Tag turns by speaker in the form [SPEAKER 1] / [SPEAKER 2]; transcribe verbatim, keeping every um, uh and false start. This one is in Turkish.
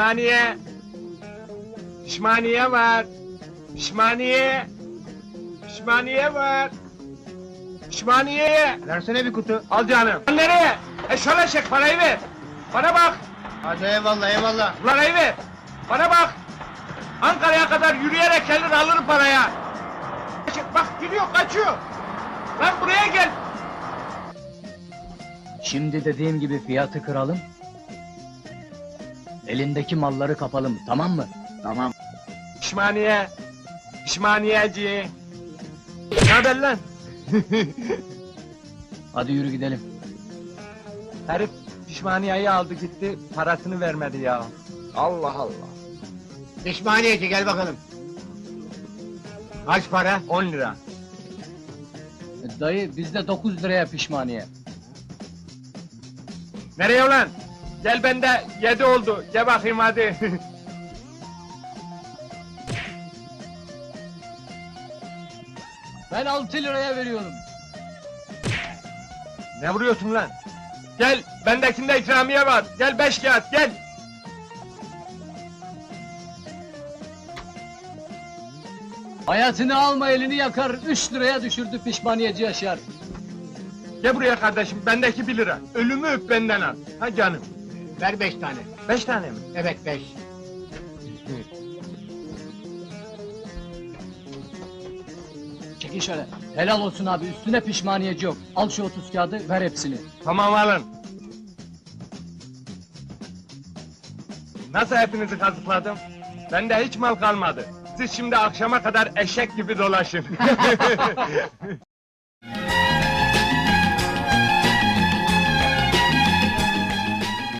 [SPEAKER 1] Pişmaniye. Pişmaniye var. Pişmaniye. Pişmaniye var. Pişmaniye.
[SPEAKER 2] Versene bir kutu.
[SPEAKER 1] Al canım. Nereye? E şöyle çek, parayı ver. Bana bak.
[SPEAKER 2] Hadi eyvallah eyvallah.
[SPEAKER 1] Parayı ver. Bana bak. Ankara'ya kadar yürüyerek gelir alır paraya. Bak gidiyor, kaçıyor. Lan buraya gel.
[SPEAKER 3] Şimdi dediğim gibi fiyatı kıralım. Elindeki malları kapalım, tamam mı?
[SPEAKER 2] Tamam.
[SPEAKER 1] Pişmaniye. Pişmaniyeci. Ne haber lan?
[SPEAKER 3] Hadi yürü gidelim.
[SPEAKER 1] Herif pişmaniyeyi aldı gitti, parasını vermedi ya. Allah Allah.
[SPEAKER 2] Pişmaniyeci gel bakalım. Kaç para?
[SPEAKER 1] On lira.
[SPEAKER 3] E, Dayı bizde dokuz liraya pişmaniye.
[SPEAKER 1] Nereye ulan? Gel bende yedi oldu. Gel bakayım hadi.
[SPEAKER 3] Ben altı liraya veriyorum.
[SPEAKER 1] Ne vuruyorsun lan? Gel, bendekinde ikramiye var. Gel beş kağıt, gel.
[SPEAKER 3] Hayatını alma elini yakar, üç liraya düşürdü pişmaniyeci Yaşar.
[SPEAKER 1] Gel buraya kardeşim, bendeki bir lira. Ölümü öp benden al. Ha canım.
[SPEAKER 2] Ver beş tane.
[SPEAKER 1] Beş tane mi?
[SPEAKER 2] Evet beş.
[SPEAKER 3] Çekin şöyle. Helal olsun abi, üstüne pişmaniyeci yok. Al şu otuz kağıdı, ver hepsini.
[SPEAKER 1] Tamam alın. Nasıl hepinizi kazıkladım? Bende hiç mal kalmadı. Siz şimdi akşama kadar eşek gibi dolaşın.